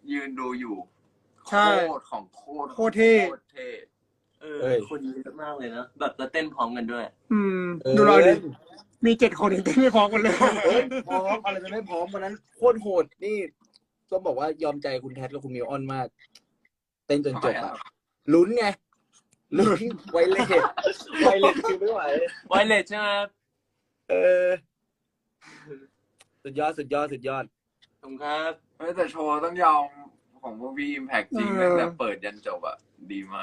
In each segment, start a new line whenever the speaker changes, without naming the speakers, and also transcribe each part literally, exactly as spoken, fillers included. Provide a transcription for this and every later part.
ยืนดูอยู่โค
ใช่
ตรของโคตร
โคตรเท่
โคตรเท่
เออคนเยอะมากเลยนะแบบจะเต้นพร้อมกันด้วย
อืม
เออ
ดูเราดิมีเจ็ดคนเองเต้นไม่พร้อมกันเลย
เฮ้ยพร้อมอะไรจะไม่พร้อมวันนั้นโคตรโหดนี่ต้องบอกว่ายอมใจคุณแทสกับคุณมิวออนมาก เต้นจนจบอะลุ้นไงลุ้นไวเลสไวเลสคือไม่ไหว
ไวเลสใช่ไหมครับ
เออ สุดยอดสุดยอดสุดยอด
ขอบคุณครับ
เฮ้ยแต่โชว์ต้องยอมของพวกพี่อิมแพคจริง
เออ
ตั้งแต่เปิดยันจบอ่ะดีมาก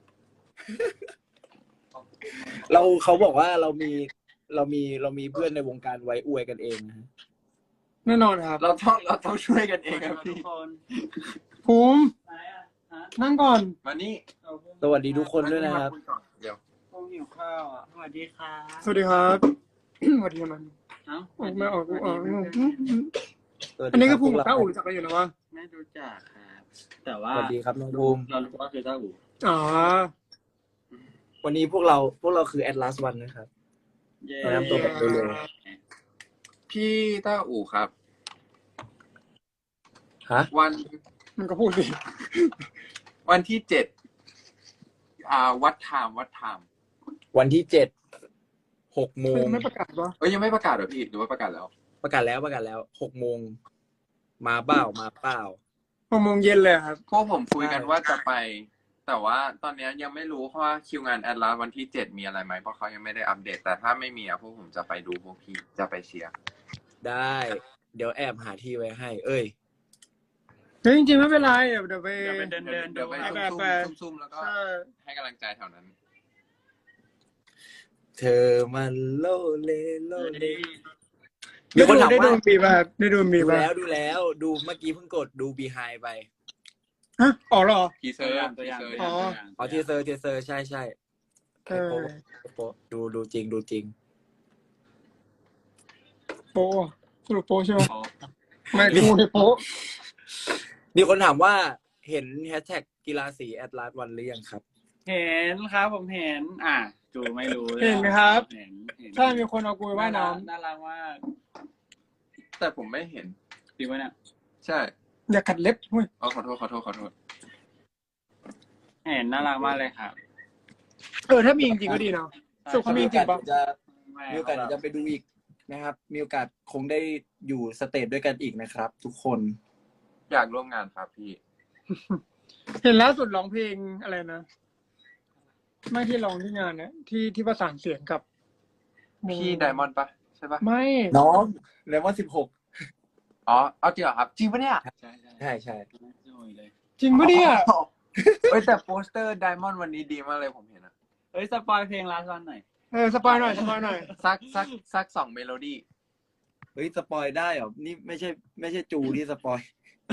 เราเขาบอกว่าเรามีเรามีเรามีเพื่อนในวงการไว้อวยกันเองนะฮะ
แน่นอนครับ
เราต้องเราต้องช่วยกันเองครับ
ทุ
พี่
กคน
ภูมิ
ไหนอ่ะฮะ
นั่งก่อน
มานี่
เอาพวก
สวัสดีทุกคนด้วยนะครับ
เดี๋ยว
พวกหิวข้าวอ่ะสวัสดีครับ
สวัสดีครับ สวัสดีมัน
เอ้า
ออกไม่ออกกูออก
สวัสดี
สวัสดี
อันนี้
รั
ก็
บ
ภูมิ
พว
กับ
เรา
ต้าอู่รู้จักกันอยู่นะวะ
ไม่รู้จักครับ แต่
ส
ว่า
วัสดีครับน้องภูมิ
เรารู้ว่าคือเจ้าอู่
อ๋อ
วันนี้พวกเราพวกเราคือ Atlas One นะครับ
เย้
แนะนำตัวแบบเร็ว
พี่ต้าอู่ครับ
ฮะ
วัน
มันก็พูดสิ
วันที่เจ็ดอ่าวัดไทม์วัดไทม์
วันที่เจ็ดหกโมง
ไม่ประกาศวะ
เอ้ยยังไม่ประกาศเหรอพี่หรือว่าประกาศแล้ว
ประกาศแล้วประกาศแล้วหกโมงมาเปล่ามาเปล่า
หกโมงเย็นเลยครับ
พวกผมคุยกัน
ใช่
ว่าจะไป แต่ว่าตอนนี้ยังไม่รู้เพราะว่าคิวงานแอดลาสวันที่เจ็ดมีอะไรไหมเพราะเขายังไม่ได้อัปเดต แต่ถ้าไม่มีอะพวกผมจะไปดูพวกพี่จะไปเชียร์
ได้ เดี๋ยวแอบหาที่ไว้ให้ เอ้ย
เฮ้ยจริงๆไม่เป็นไรเดี๋ยวเดี๋ยวไป
เดี๋ยวไปเดินเดิน
เดี๋ยวไป
ไป
ซุ่ม
ไป
ๆซุ่มๆแล้วก็
ใช่
ให้กำลังใจแถวนั้น
เธอมันโลเลโลเล มี
ได้
คน
ดู
ถาม
ได้ดู
ว่า
มีป่ะครับได้ดูมี
ดู
ป่ะ
แล้วดูแล้วดูเมื่อกี้เพิ่งกดดู behind ไป
ฮะอ๋อเหรอ
ทีเซ
ตั
อ
ว
ร์
อย่างตัว
ที
อย่าง
เซอร์
ตัวอย่าง
อ๋อ
ตัวอย่าง
อ๋อทีเซอร์ทีเซอร์ใช่ใช่
เออ
โป๊ะโป๊ะดูดูจริงดูจริง
โปะสรุปโปะใช่ไหม
อ๋อ
ไม่กูเนี่ยโปะ
มีคนถามว่าเห็นแฮชแท็กกีฬาสีแอดลาสวันหรือยังครับ
เห็นครับผมเห็น อ่ะจูไม่รู้ลย
เห็นไหมครับ
เห็นเห็น
ใช่มีคนเอากูไปว่ายน้
น่ารักมาก
แต่ผมไม่เห็น
จริงไหมเนี่ย
ใช่
ำอย่าขัดเล็บเว้ย
อ๋อขอโทษขอโทษขอโทษ
เห็นน่ารักมากเลยครับ
เออถ้ามีจริงๆก็ดีเนาะ สุข เขามีจริงปะ
จะ
แม่
มีโอกาสเดี๋ยวจะไปดูอีกนะครับ มีโอกาสคงได้อยู่สเตจด้วยกันอีกนะครับ ทุกคน
อยากร่วมงานครับพี่
เห็นล่าสุดร้องเพลงอะไรนะ ไม่ที่ร้องที่งานเนี่ยที่ที่ประสานเสียงกับ
พี่ไดมอนด์ปะใช่ปะ
ไม่
น้องเลมอนสิบหก
อ๋อเอาจริงเหรอครับจริงปะเนี่ย
ใช่ใช่
ใช่ใช่
โอ้ยเลย
จริงปะเนี่ย
เฮ้ยแต่โปสเตอร์ไดมอนด์วันนี้ดีมากเลยผมเห็นอะ
เฮ้ยสปอยเพลงลาสวันหน่อย
เออสปอยหน่อยสปอยหน่อย
สักสักสักสองเมโลดี้
เฮ้ยสปอยได้เหรอ นี่ไม่ใช่ไม่ใช่จูที่สปอย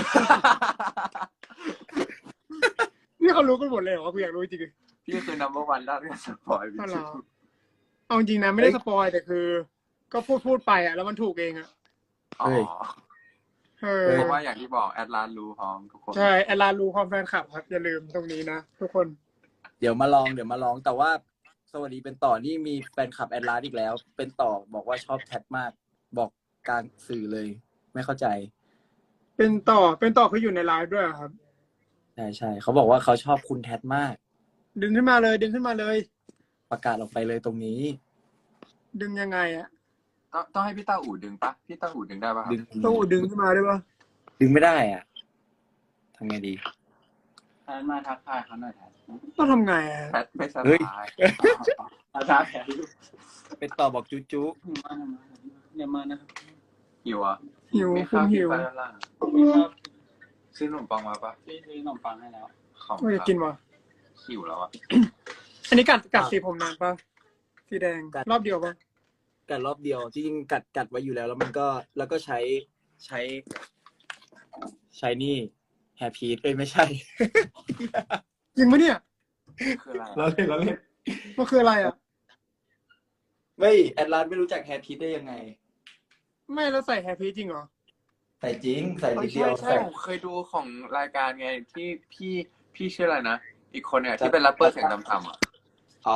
นี่เขารู้กันหมดเลยเหรอวะกูอยากรู้จริง
พี่คือ number one ด้านการสปอยพี่
ๆอ๋อเหร
ชิ
อ
ว
เอาจริงนะไม่ได้สปอยแต่คือ ก็พูดพูดไปอ่ะแล้วมันถูกเองอ่ะ
อ๋อ
เออ
เพราะว่าอย่างที่บอกแอดลาสรู้พร้อมทุกคน
ใช่แอลลารู้ความแฟนคลับครับอย่าลืมตรงนี้นะทุกคน
เดี๋ยวมาลองเดี๋ยวมาลองแต่ว่าสวัสดีเป็นต่อนี่มีแฟนคลับแอดลาสอีกแล้ว เป็นต่อบอกว่าชอบแททมาก บอกกลางสื่อเลย ไม่เข้าใจ
เป็นต่อเป็นต่อคืออยู่ในไลฟ์ด้วยเหรอครับ
ใช่ใช่เขาบอกว่าเขาชอบคุณแททมาก
ดึงขึ้นมาเลยดึงขึ้นมาเลย
ประกาศออกไปเลยตรงนี้
ดึงยังไงอ่ะ
ต้องต้องให้พี่ต้าอู่ดึงปะพี่ต้าอู่ดึงได้ปะครับ
ดึง
ตู้ดึงขึ้นมาได้ปะ
ดึงไม่ได้อ่ะทำไงดี
แทนมาทักทายเขาหน่อยแทน
ต้องทำไงอ่ะ
แพทไม่ส
เฮ้ย
บาย
ทักทายแทน
เป็นต่อบอกจุ๊จุ
มามาเดี๋ยวมานะครับ
หิวอ่ะ
หิว
มี
คุ
ข้า
ณ
วกิ
หิ
น
ว
ปะด้านล่าง
นี่ครับ
ซื้อขนมปังมาปะ
พี่ซื้อขนมปังให้แล้ว
ของ
ไม่อยากกินวะ
หิวแล้วอ่ะ
อันนี้กัดกัดสีผมนานปะสีแดงรอบเดียวปะ
กัดรอบเดียวจริงๆกัดกัดไว้อยู่แล้ว แล้วมันก็แล้วก็ใช้ใช้ ใช้นี่แฮปปี้เอ้ยไม่ใช่
จริงปะเนี่ย
คืออะไร
เรา
อะ
เล่นเราเล่น
มันคืออะไรอ่ะ
ไม่แอดลาสไม่รู้จักแฮปปี้ได้ยังไง
ไม่แล้วใส่แฮปปี้จริงเหรอ
ใส่จริง ใส่
เอ้
นิ
ย
ดเดี
ใช่
ยว
ใช่
ใส่
ผมเคยดูของรายการไงที่พี่พี่ชื่ออะไรนะ อีกคนเนี่ยที่เป็นแรปเปอร์เสียงต่ำๆอ่ะ
อ๋อ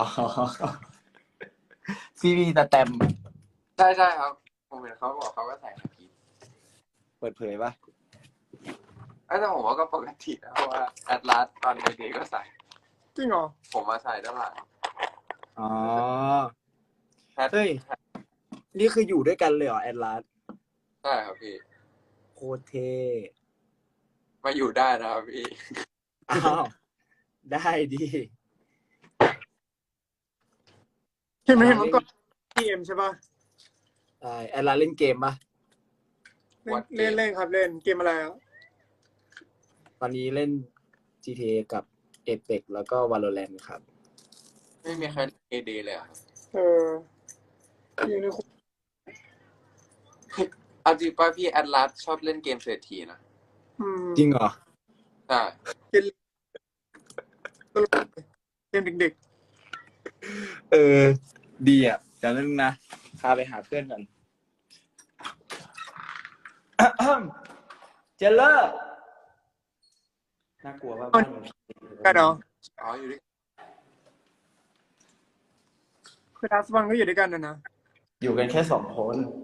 ซีรีส์สแตมป์
ใช่ใช่ครับ ผมเห็นเขาบอกเขาก็ใส่แฮปปี้
เปิดเผยปะ
อแต่ผมว่าก็ปกตินะเพราะว่าแอดลาสตอนเด็กๆก็ใส่
จริงเหรอ
ผมมาใส่ด้านหลัง
อ๋อ
แพท
เฮ้ย นี่คืออยู่ด้วยกันเลยเหรอแอดลาส
ใช่ครับพี่
โคตรเท่
มาอยู่ได้นะครับพี่
อ้าว ได้ดี
เห็นไหมเห็นเมื่อก่อนเกมใช่ป่ะ
ใช่แอดลาสเล่นเกมปะ
เล่น
What
เล่น
game?
เล่นครับเล่นเกมอะไรอ่ะ
ตอนนี้เล่น จี ที เอ กับ Apex แล้วก็ Valorant ครับ
ไม่มีใครเอเดเลยเหรอ่ะ
เอออยู่ในคุก
เอาจริงป่ะพี่แอดลาสชอบเล่นเกมเศรษฐีนะ
อืม
จริงเหรอ
ใช่
เกมตลกเกมเด็ก
เออ ดีอ่ะเดี๋ยวนึงนะ พาไปหาเพื่อนกัน เจลเลอร์ น่ากลัวว่าบ้านมัน
ๆกันเหรอ
อ๋ออยู่ด้วย
คือทัสวันก็อยู่ด้วยกันนะนะ
อยู่กันแค่สองคน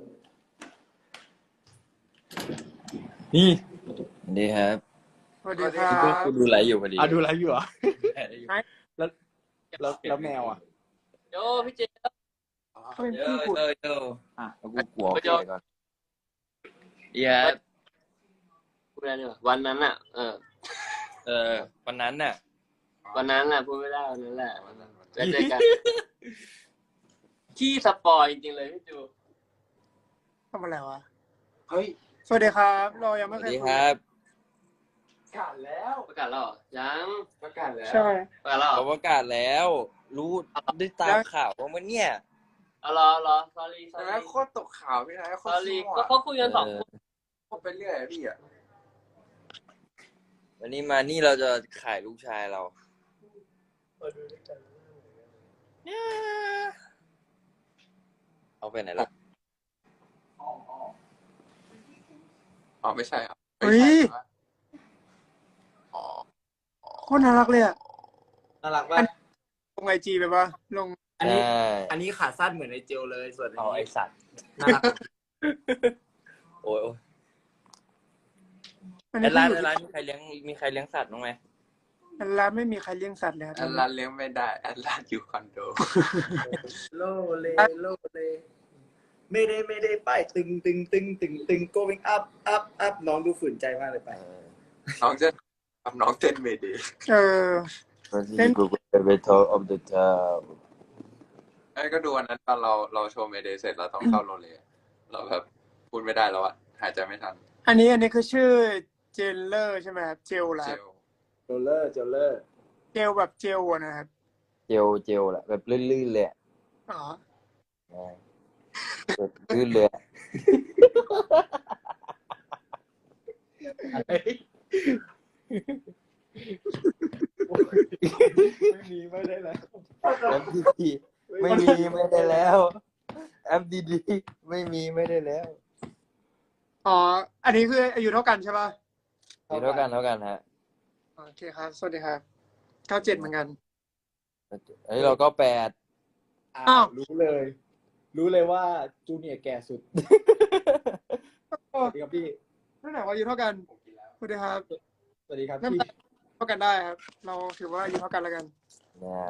นี่
สวัสดีครับ
สวัสดีครั
พี่
บ
กูดูไลฟ์อยู่พอดี
อ่ะดูไลฟ์อยู่เหรอ
ไหน
แล้วแล้วแล้วแมวอ่ะ
โยพี่เจ
เขาเป็น
เย
พี่
อะ
กู
เยอะเยอะ
อ่ะ
แล้วกูกลัว
ไป
เกิ
เจอ
ดก่อนดีครับ
พูดได้ด้วยวันนั้นอ่ะ เออ
เออวันนั้นน่ะ
วันนั้นแหละพูดไม่ได้วันนั้นแหละวันนั้นเจอเจอกันขี้สปอยจริงๆเลยพี่จู
ทำอะไรวะ
เฮ้ย
สวัสดีครับ เรายัง
ส
ไม่
วัส
เคย
ดี
คุ
ค
ย
รับ
ประกาศแล้ว
ประกาศแล้วเหรอยัง
ประกาศแล้ว
ใช่
ประกาศแล้วเหร
เรา
อ
ประกาศแล้ว รู้ได้ตามข่าวว่ามันเนี่ย
เอาเหรอเหรอ sorry
แต่
sorry
โคตรตกข่าวพี่นะโคตร
sorry
มั่ว
ก็เขาคุยกันสอง
เอ
ค
อน
โคตรไปเรื่อยอะพี่อ่ะ
วันนี้มานี่เราจะขายลูกชายเราเอาไปไหนล่ะ
อ๋อไม่ใช่อ่ะ
เฮ้ย
อ๋อ
โคตรน่ารักเลยอ่ะ
น่ารักป่ะ
ลงไอจีไปป่ะลง
อันนี้
ใช่
อันนี้ขาสั้นเหมือนในเจลเลย ส่วนอัน
เอาไอ
นี้
สัตว์
น่ารัก
โอ้ยโอ้ย
อัน
แอ
นี้
ด
ก็
ร้าน
อยู่
แอดร้านมีใครเลี้ยงมีใครเลี้ยงสัตว์บ้างไหม
อันร้านไม่มีใครเลี้ยงสัตว์เลยครับ
แอดลาสเลี้ยงไม่ได้แอดลาสอยู่คอนโด
โลเลโลเลไม่ได้ไม่ได้ไปตึงตึงตึงตึงตึง going up up up น้องดูฝืนใจมากเลยไป
เออ
น้องจะทำน้องเต้นเมเดย์
เออ
วันที่กูเป็นเวทออฟเดอะทาว
ไอ้ก็ดูวันนั้นตอนเราเราโชว์เมเดย์เสร็จเราต้องเข้าโรงเรียนเราแบบพูดไม่ได้แล้วอะหายใจไม่ทัน
อันนี้อันนี้คือชื่อเจลเลอร์ใช่ไหมครับเจลเหรอ
เจ
ครับ
ล
เจลเลอร์เจลเลอร์
เจลแบบเจลอะนะครับ
เจลเจลแหละแบบลื่นๆเลยอะ
อ๋อ
แบบลื่นเลยอะ
ไม่มีไม่ได้แล้ว
แอปดีๆไม่มีไม่ได้แล้วแอปดีๆไม่มีไม่ได้แล้ว
อ๋อ อันนี้คืออายุเท่ากันใช่ป่ะ
เท่ากันเท่ากันฮะ
โอเคครับ สวัสดีครับเก้าเจ็ดเหมือนกัน
เฮ้ยเราก็แปด
อ้า
อ้าว ว
รู้เลย รู้เลยว่าจูเนียร์แก่สุด สวัสดีครับพี่
นั่นไหนว่าอายุเท่ากันสวัสดีครับ
สวัสดีครับ
นั่น
พี่
เท่ากันได้ครับ เราถือว่าอายุเท่ากันแล้วกัน
นะ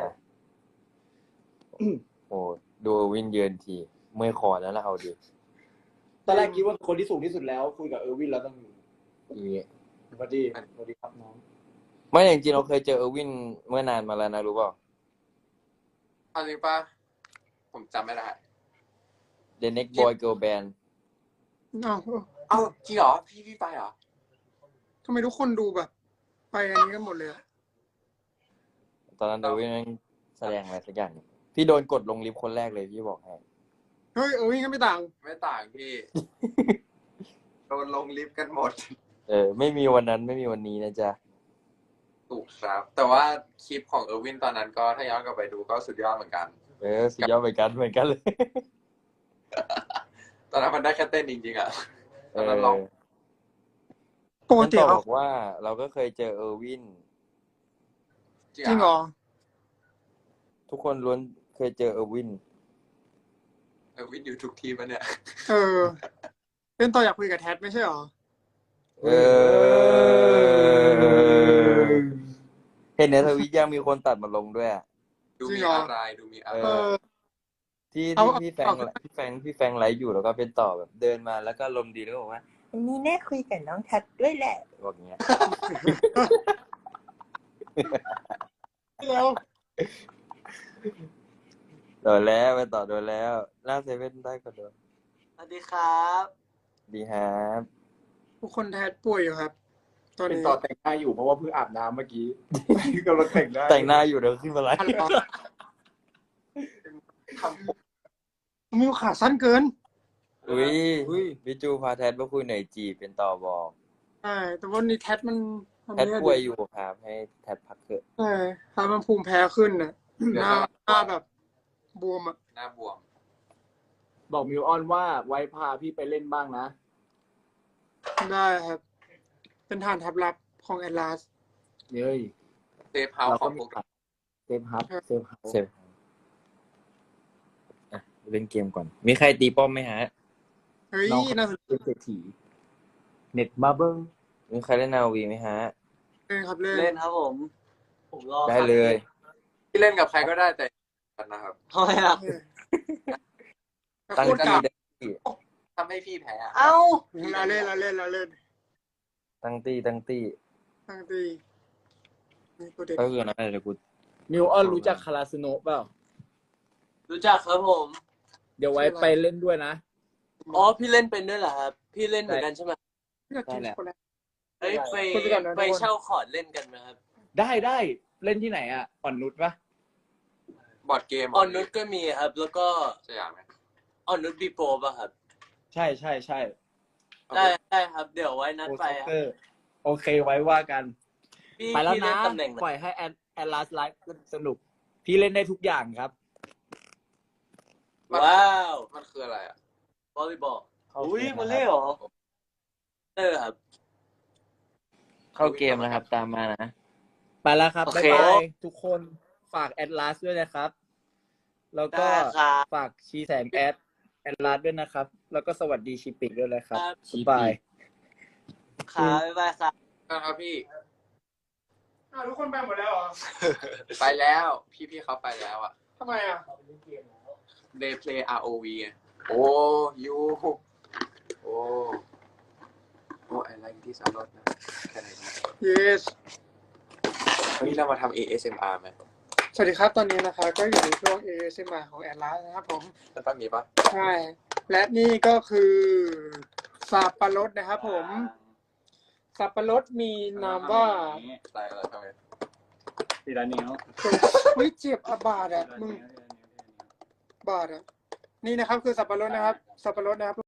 โอ้ดูวินเยือนทีเมื่อยคอแล้วนะเอาดิ
ตอนแรกคิดว่าคนที่สูงที่สุดแล้ว คุยกับเออร์วินแล้วต้อง
อี
สวัสดีสวัสดีครับน้อง
ไม่จริงๆเราเคยเจอเออร์วินเมื่อนานมาแล้วนะรู้เปล่า
เอาจริงป่ะผมจำไม่ได้
The Next Boy Girl Band
อ้าว
เอ้าจริงเหรอพี่พี่ไปเหรอ
ทำไมทุกคนดูแบบ ไปอันนี้กันหมดเลยอะ
ตอนนั้นเออร์วินแม่งแสดงอะไรสักอย่างพี่โดนกดลงลิฟต์คนแรกเลยพี่บอกให้
เฮ้ยเออวิ่งก็ไม่ต่าง
ไม่ต่างพี่ โดนลงลิฟต์กันหมด
เออไม่มีวันนั้นไม่มีวันนี้นะจ๊ะ
ถูกครับ แต่ว่าคลิปของเออร์วินตอนนั้นก็ถ้าย้อนกลับไปดูก็สุดยอดเหมือนกัน
เออสุดยอดเหมือนกันเหมือนกันเลย
ตอนนั้นมันได้แค่เต้นจริงๆอ่ะต
เอ
อน
อ
นั้นร้อง
ปก
นั่น
ติ
ต่อ
เขา
บอกว่าเราก็เคยเจอเออร์วิน
จริงเหรอ
ทุกคนล้วนเคยเจอเออร์วิน
เออร์วินอยู่ทุกทีมปะเนี่ย
เออ เป็นต่ออยากคุยกับแท็ดไม่ใช่เหรอ
เอเออ เห็นในทวิตยังมีคนตัดมาลงด้วยอะ
ดูมีอะไรดูมีอะ
เอ
ไร
อ ที่
เอา
ที่
เอา
พี่แฟงพี่แฟงพี่แฟงไลฟ์อยู่แล้วก็เป็นต่อแบบเดินมาแล้วก็ลมณ์ดีแล้วบอกว่าอันนี้แน่คุยกับน้องทัดด้วยแหละบอกอย่างเงี้ย
แล้ว
โดนแล้วไปต่อโดนแล้วหน้าเซเว่นได้ก็โดน
สวัสดีครับ
ดีครับ
ทุกคนแทดป่วยอยู่ครับ ตอน
เป็น
นี้
ต่อแต่งหน้าอยู่เพราะว่าเพิ่งอาบน้ำเมื่อกี้กำลังแต่งหน้า
แต่งหน้าอยู่เดี๋ยวขึ้นมาไลฟ์
ทำ
มิวขาสั้นเกิน
อุ้ยพี่จูพาแทดมาคุยหน่อยจีเป็นต่อบอก
ใช่แต่ว่านี่แทดมันมัน
แทดป่วยอยู่ครับให้แทดพักเถอะ
ใช่ถ้ามันภูมิแพ้ขึ้นน่ะหน้าหน้าแบบบวมอ่ะ
หน้าบวม
บอกมิวออนว่าไว้พาพี่ไปเล่นบ้างนะ
ได้ครับ เป็นฐานทัพลับของแอตลาส
เย้ย
เซฟเฮาส์
เรา
ขอ
ก็
งพ
มี
วกเรา
เซฟฮับเซฟฮับ
เซฟอ่ะเล่นเกมก่อน มีใครตีป้อมไหมฮะ
เฮ้ย
น้อง
น่าสนใจ
เป็นเศรษฐีเน็ตมาเบิ้ง
มีใครเล่นนาวีไหมฮะ
ครับเล่น
เล่นครับผม ผมรอ
ได้เลย
ที่เล่นกับใครก็ได้แต่กันนะครับ
ทำไมอ่ะ
แต่
ตั้ง
โคตร
ตี้
กาก
ได้
ทำให้พี่แพ้อะ
เอ้า
เราเล่นเราเล่นเราเล่น
ตั้งตี้ตั้งตี้
ตั้งตีนี่ตัวเด็ก
ก็คือนะเดี๋ยวกู
มิวออนรู้จักคาราสโนะเปล่า
รู้จักครับผม
เดี๋ยวไว้ไปเล่นด้วยนะ
อ๋อ พี่เล่นเป็นด้วยเหรอครับ พี่เล่นเหมือนกันใช่ไหม
อยากกินช็อกโกแลต
เฮ้ยไป
คุยไปก่อนนะทุกคน
ไปเช่าคอร์ดเล่นกันไหมครับ
ได้ได้เล่นที่ไหนอ่ะอ่อนนุชปะ
บอร์ดเกม
ออนนุชก็มีครับ แล้วก็
สยามไหม
ออนนุชบีโปรป่ะครับ
ใช่ใช่ใช่
ได้ได้ครับ เดี๋ยวไว้นัด
โอ
ไป
ซ็อก
ครับ
เกอร์โอเคไว้ว่ากัน
พี่
ไปแล้ว
พี่เล่
นะ
นตำแหน่งไหน
ปล่อยให้แอนแอนลาสไลฟ์สนุก พี่เล่นได้ทุกอย่างครับ
ว้าว
มันคืออะไรอ่ะ
วอลเลย์บอล
เข้า
อุ้ย
เกม
มา
นะ
เล่
ครับ
เหรอเออครับ
เข้าเกมนะครับ ตามมานะ
ไปแล้วครับ
โอ
บ๊าย
เค
บายทุกคนฝากแอดลาสด้วยนะครับ แล้วก็
ได้ครับ
ฝากชีแสงแอดแอดลาสด้วยนะครับ แล้วก็สวัสดีชีปิกด้วยนะครับ
ครับ
บ๊ายบาย
ครับบ๊ายบายครับ
นะครับพี่
อ้าวทุกคนไปหมดแล้วเหรอ
ไปแล้ว พี่พี่เขาไปแล้วอ่ะ
ทำไมอ่ะ
they play อาร์ โอ วี ไงโอ้ยูโอ้โอ้ I like this a lot นะแค่ไหนนะ
yes
วันนี้เรามาทำ เอ เอส เอ็ม อาร์ ไหม
สวัสดีครับตอนนี้นะคะก็อยู่ในช่วง เอ เอส เอ็ม อาร์ ของแอตลาสนะครับผม
แล้วต้องมีปะ
ใช่ และนี่ก็คือสับปะรดนะครับผม สับปะรดมีนามว่า
อะไรอะไรทำไม
ทีละนิ้ว
วิเจ็บอะบาดอ่ะมึงบาดอ่ะ นี่นะครับคือสับปะรดนะครับ สับปะรดนะครับ